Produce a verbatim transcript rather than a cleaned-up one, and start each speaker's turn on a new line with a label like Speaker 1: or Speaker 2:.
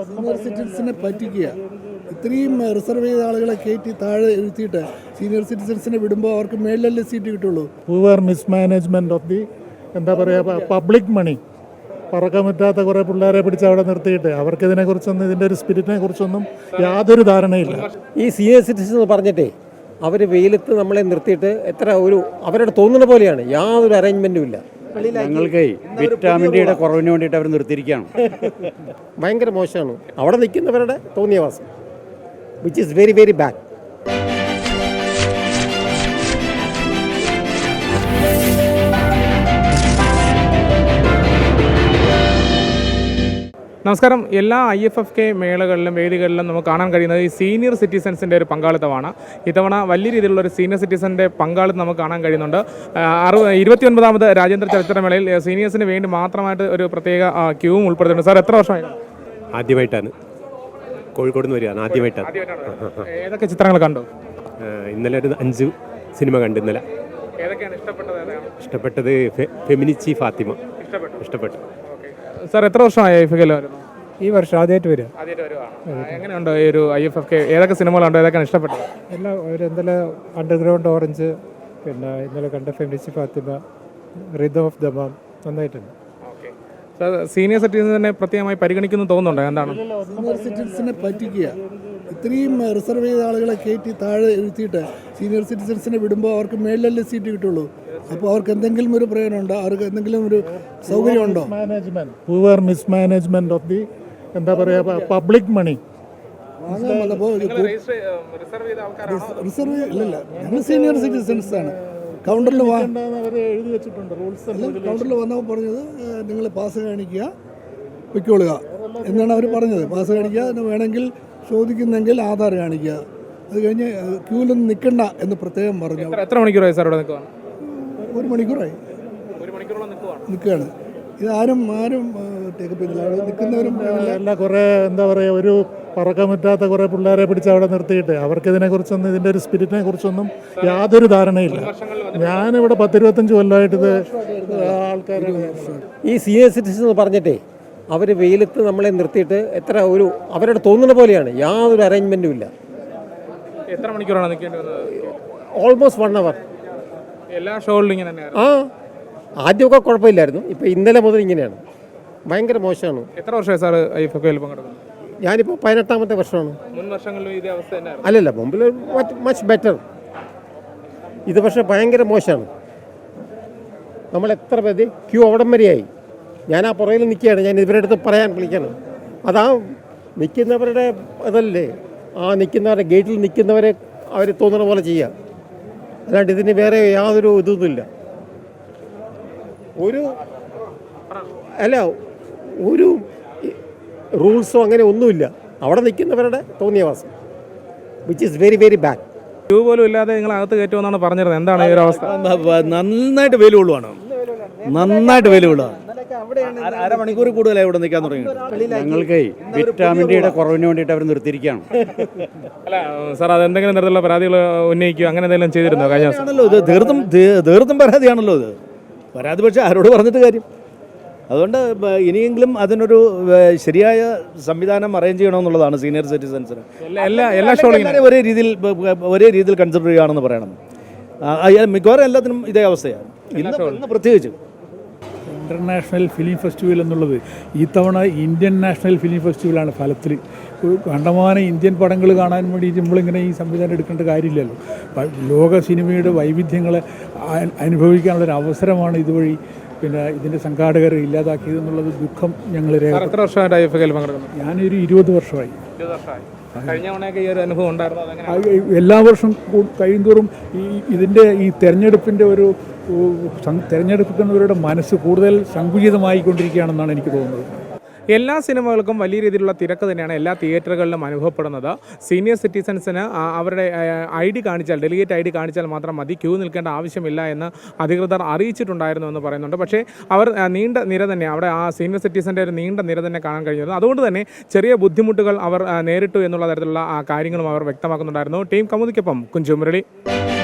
Speaker 1: Senior സിറ്റിസൻസിനെ പറ്റിക്കുക. ഇത്രയും reserve ചെയ്ത ആളുകളെ കയറ്റി താഴെ എഴുത്തിയിട്ട് സീനിയർ സിറ്റിസൻസിനെ വിടുമ്പോൾ അവർക്ക് മേളിലല്ലേ സീറ്റ് കിട്ടുള്ളൂ.
Speaker 2: പൂവർ മിസ്മാനേജ്മെൻറ്റ് ഓഫ് ദി എന്താ പറയുക പബ്ലിക് മണി. പറക്കാൻ പറ്റാത്ത കുറേ പിള്ളേരെ പിടിച്ച് അവിടെ നിർത്തിയിട്ട് അവർക്ക് ഇതിനെക്കുറിച്ചൊന്നും ഇതിൻ്റെ ഒരു സ്പിരിറ്റിനെ കുറിച്ചൊന്നും യാതൊരു ധാരണയില്ല.
Speaker 3: ഈ സീനിയർ സിറ്റിസൺ എന്ന് പറഞ്ഞിട്ടേ അവർ വെയിലത്ത് നമ്മളെ നിർത്തിയിട്ട് എത്ര ഒരു അവരുടെ തോന്നുന്ന പോലെയാണ്, യാതൊരു അറേഞ്ച്മെൻറ്റും ഇല്ല.
Speaker 4: ഞങ്ങൾക്ക് വിറ്റാമിൻ ഡിയുടെ കുറവിന് വേണ്ടിയിട്ട് അവർ നിർത്തിയിരിക്കുകയാണ്.
Speaker 3: ഭയങ്കര മോശമാണ് അവിടെ നിൽക്കുന്നവരുടെ തോന്നിയവാസം, which is very very bad.
Speaker 5: നമസ്കാരം. എല്ലാ ഐ എഫ് എഫ് കെ മേളകളിലും വേദികളിലും നമുക്ക് കാണാൻ കഴിയുന്നത് ഈ സീനിയർ സിറ്റിസൻസിൻ്റെ ഒരു പങ്കാളിത്തമാണ്. ഇത്തവണ വലിയ രീതിയിലുള്ള ഒരു സീനിയർ സിറ്റിസൻ്റെ പങ്കാളിത്തം നമുക്ക് കാണാൻ കഴിയുന്നുണ്ട്. അറു ഇരുപത്തി ഒൻപതാമത് രാജ്യാന്തര ചലച്ചിത്രമേളയിൽ സീനിയേഴ്സിന് വേണ്ടി മാത്രമായിട്ട് ഒരു പ്രത്യേക ക്യൂവും ഉൾപ്പെടുത്തുന്നുണ്ട്. സാർ, എത്ര വർഷമായി?
Speaker 6: ആദ്യമായിട്ടാണ്, കോഴിക്കോട് നിന്ന് വരികയാണ്. ആദ്യമായിട്ടാണ്.
Speaker 5: ഏതൊക്കെ ചിത്രങ്ങൾ കണ്ടു?
Speaker 6: ഇന്നലെ ഒരു അഞ്ച് സിനിമ കണ്ടു. ഇന്നലെ
Speaker 5: ഏതൊക്കെയാണ് ഇഷ്ടപ്പെട്ടത്?
Speaker 6: ഇഷ്ടപ്പെട്ടത് ഫെമിനിച്ചി ഫാത്തിമ ഇഷ്ടപ്പെട്ടു.
Speaker 5: സാർ, എത്ര വർഷമായി ഐ എഫ് എഫ് കെ?
Speaker 2: ഈ വർഷം ആദ്യമായിട്ട് വരിക.
Speaker 5: ആദ്യമായിട്ട് വരുവാണ്. എങ്ങനെയുണ്ട് ഈ ഒരു ഐ എഫ് എഫ് കെ? ഏതൊക്കെ സിനിമകളുണ്ടോ, ഏതൊക്കെയാണ് ഇഷ്ടപ്പെട്ടത്?
Speaker 2: എല്ലാം ഒരു ഇന്നലെ അണ്ടർഗ്രൗണ്ട് ഓറഞ്ച്, പിന്നെ ഇന്നലെ കണ്ട Feminichi Fathima, rhythm of Dammam നന്നായിട്ടുണ്ട്.
Speaker 5: സാർ, സീനിയർ സിറ്റിസനെ പ്രത്യേകമായി പരിഗണിക്കുന്നു തോന്നുന്നുണ്ടോ? എന്താണ്
Speaker 1: സീനിയർ സിറ്റിസൻസിനെ പറ്റിക്കുക. ഇത്രയും റിസർവ് ചെയ്ത ആളുകളെ കയറ്റി താഴെ എഴുത്തിയിട്ട് സീനിയർ സിറ്റിസൻസിനെ വിടുമ്പോൾ അവർക്ക് മേളിലല്ലേ സീറ്റ് കിട്ടുള്ളൂ. അപ്പോൾ അവർക്ക് എന്തെങ്കിലും ഒരു പ്രയോജനമുണ്ടോ? അവർക്ക് എന്തെങ്കിലും ഒരു സൗകര്യമുണ്ടോ?
Speaker 2: Management poor mismanagement of the എന്താ പറയുക പബ്ലിക് മണി.
Speaker 1: റിസർവ് ഇല്ലല്ല, ഞങ്ങൾ സീനിയർ സിറ്റിസൻസ് ആണ്. കൗണ്ടറിൽ
Speaker 2: എഴുതി വെച്ചിട്ടുണ്ട് റൂൾസ്.
Speaker 1: കൗണ്ടറിൽ വന്നപ്പോൾ പറഞ്ഞത് നിങ്ങൾ പാസ് കാണിക്കുക, പൊയ്ക്കൊള്ളുക എന്നാണ് അവർ പറഞ്ഞത്. പാസ് കാണിക്കുക, വേണമെങ്കിൽ ചോദിക്കുന്നെങ്കിൽ ആധാർ കാണിക്കുക, അത് കഴിഞ്ഞ് ക്യൂവിലൊന്നും നിൽക്കണ്ട എന്ന് പ്രത്യേകം പറഞ്ഞു.
Speaker 5: എത്ര മണിക്കൂറായി സാർ ഇവിടെ നിൽക്കുക?
Speaker 1: ഒരു മണിക്കൂറായി നിൽക്കുകയാണ്. ഇത് ആരും ആരും ടേക്കപ്പ് ചെയ്തില്ല. അവിടെ നിൽക്കുന്നവരും
Speaker 2: അല്ല, കുറേ എന്താ പറയുക ഒരു പറക്കാൻ പറ്റാത്ത കുറേ പിള്ളേരെ പിടിച്ച് അവിടെ നിർത്തിയിട്ട് അവർക്ക് ഇതിനെക്കുറിച്ചൊന്നും ഇതിൻ്റെ ഒരു സ്പിരിറ്റിനെ കുറിച്ചൊന്നും യാതൊരു ധാരണയില്ല. ഞാനിവിടെ പത്തിരുപത്തഞ്ച് കൊല്ലമായിട്ട് ഇത് ആൾക്കാർ
Speaker 3: ഈ സീനിയർ സിറ്റിസൺ എന്ന് പറഞ്ഞിട്ടേ അവർ വെയിലത്ത് നമ്മളെ നിർത്തിയിട്ട് എത്ര ഒരു അവരുടെ തോന്നുന്ന പോലെയാണ്, യാതൊരു അറേഞ്ച്മെൻറ്റും ഇല്ല.
Speaker 5: എത്ര മണിക്കൂറാണ് നിൽക്കേണ്ടി വന്നത്?
Speaker 3: Almost one hour.
Speaker 5: എല്ലാ ഷോകളിലും ഇങ്ങനെ തന്നെയാണ്?
Speaker 3: ആ, ആദ്യമൊക്കെ കുഴപ്പമില്ലായിരുന്നു, ഇപ്പോൾ ഇന്നലെ മുതൽ ഇങ്ങനെയാണ്. ഭയങ്കര മോശമാണ്.
Speaker 5: എത്ര വർഷമായി സാർ ഐ എഫ് എഫ് കെയിൽ പങ്കെടുക്കുന്നത്?
Speaker 3: ഞാനിപ്പോൾ പതിനെട്ടാമത്തെ വർഷമാണ്.
Speaker 5: മുൻ വർഷങ്ങളിലും ഇതേ അവസ്ഥ തന്നെയായിരുന്നു?
Speaker 3: അല്ലല്ല, മുമ്പിൽ മച്ച് ബെറ്റർ. ഇത് പക്ഷേ ഭയങ്കര മോശമാണ്. നമ്മൾ എത്ര പേര് ക്യൂ അവിടം വരെയായി. ഞാൻ ആ പുറകിൽ നിൽക്കുകയാണ്. ഞാൻ ഇവരുടെ അടുത്ത് പറയാൻ വിളിക്കണം. അതാ നിൽക്കുന്നവരുടെ അതല്ലേ, ആ നിൽക്കുന്നവരുടെ ഗേറ്റിൽ നിൽക്കുന്നവരെ അവർ തോന്നുന്ന പോലെ ചെയ്യുക, അല്ലാണ്ട് ഇതിന് വേറെ യാതൊരു ഇതൊന്നുമില്ല. ഒരു അല്ല ഒരു റൂൾസോ അങ്ങനെ ഒന്നുമില്ല. അവിടെ നിൽക്കുന്നവരുടെ തോന്നിയവാസം, which is very very bad.
Speaker 5: Queue പോലും ഇല്ലാതെ നിങ്ങൾ അകത്ത് കയറ്റുമെന്നാണ് പറഞ്ഞിരുന്നത്. എന്താണ് ഈ ഒരു അവസ്ഥ?
Speaker 4: നന്നായിട്ട് വെയിൽ കൊള്ളുവാണ്, നന്നായിട്ട് വെയിൽ കൊള്ളുക. അരമണിക്കൂർ കൂടുതലായി ഇവിടെ നിൽക്കാൻ തുടങ്ങി. ഞങ്ങൾക്ക് വിറ്റാമിൻ ഡിയുടെ കുറവിന് വേണ്ടിയിട്ട് അവർ നിർത്തിയിരിക്കുകയാണ്.
Speaker 5: അല്ല സാർ, അതെന്തെങ്കിലും തരത്തിലുള്ള പരാതികൾ ഉന്നയിക്കുക അങ്ങനെ എന്തെങ്കിലും ചെയ്തിരുന്നോ കഴിഞ്ഞ ദിവസം?
Speaker 4: ആണല്ലോ ഇത് തീർത്തും തീർത്തും പരാതിയാണല്ലോ ഇത്. പരാതി പക്ഷേ ആരോട് പറഞ്ഞിട്ട് കാര്യം? അതുകൊണ്ട് ഇനിയെങ്കിലും അതിനൊരു ശരിയായ സംവിധാനം അറേഞ്ച് ചെയ്യണമെന്നുള്ളതാണ് സീനിയർ സിറ്റിസൻസിന്.
Speaker 5: എല്ലാ എല്ലാ ഷോകളും
Speaker 4: ഒരേ രീതിയിൽ ഒരേ രീതിയിൽ കൺസിഡർ ചെയ്യുകയാണെന്ന് പറയണം. മിക്കവാറും എല്ലാത്തിനും ഇതേ അവസ്ഥയാണ്, ഇന്ന് പ്രത്യേകിച്ച്.
Speaker 7: ഇൻ്റർനാഷണൽ ഫിലിം ഫെസ്റ്റിവൽ എന്നുള്ളത് ഈ തവണ ഇന്ത്യൻ നാഷണൽ ഫിലിം ഫെസ്റ്റിവലാണ്. ഫലത്തിൽ കണ്ടമാനം ഇന്ത്യൻ പടങ്ങൾ കാണാൻ വേണ്ടി നമ്മളിങ്ങനെ ഈ സംവിധാനം എടുക്കേണ്ട കാര്യമില്ലല്ലോ. ലോക സിനിമയുടെ വൈവിധ്യങ്ങളെ അനുഭവിക്കാനുള്ളൊരു അവസരമാണ് ഇതുവഴി പിന്നെ ഇതിൻ്റെ സംഘാടകർ ഇല്ലാതാക്കിയതെന്നുള്ളത് ദുഃഖം ഞങ്ങൾ.
Speaker 5: എത്ര വർഷമായിട്ട് ഐ എഫ് എഫ് കെയിൽ പങ്കെടുക്കുന്നു?
Speaker 7: ഞാനൊരു ഇരുപത് വർഷമായി.
Speaker 5: കഴിഞ്ഞ തവണയൊക്കെ ഈ ഒരു അനുഭവം ഉണ്ടായിരുന്നു?
Speaker 7: എല്ലാ വർഷം കഴിയുന്തോറും ഈ ഇതിൻ്റെ ഈ തെരഞ്ഞെടുപ്പിൻ്റെ ഒരു തെരഞ്ഞെടുക്കുന്നവരുടെ മനസ്സ് കൂടുതൽ സങ്കുചിതമായിക്കൊണ്ടിരിക്കുകയാണെന്നാണ് എനിക്ക് തോന്നുന്നത്.
Speaker 5: എല്ലാ സിനിമകൾക്കും വലിയ രീതിയിലുള്ള തിരക്ക് തന്നെയാണ് എല്ലാ തിയേറ്ററുകളിലും അനുഭവപ്പെടുന്നത്. സീനിയർ സിറ്റിസൻസിന് അവരുടെ ഐ ഡി കാണിച്ചാൽ, ഡെലിഗേറ്റ് ഐ ഡി കാണിച്ചാൽ മാത്രം മതി, ക്യൂ നിൽക്കേണ്ട ആവശ്യമില്ല എന്ന് അധികൃതർ അറിയിച്ചിട്ടുണ്ടായിരുന്നു എന്ന് പറയുന്നുണ്ട്. പക്ഷേ അവർ നീണ്ട നിര തന്നെ, അവിടെ ആ സീനിയർ സിറ്റിസൻ്റെ ഒരു നീണ്ട നിര തന്നെ കാണാൻ കഴിഞ്ഞിരുന്നു. അതുകൊണ്ട് തന്നെ ചെറിയ ബുദ്ധിമുട്ടുകൾ അവർ നേരിട്ടു എന്നുള്ള തരത്തിലുള്ള കാര്യങ്ങളും അവർ വ്യക്തമാക്കുന്നുണ്ടായിരുന്നു. ടീം കൗമുദിക്കൊപ്പം കുഞ്ചു മുരളി.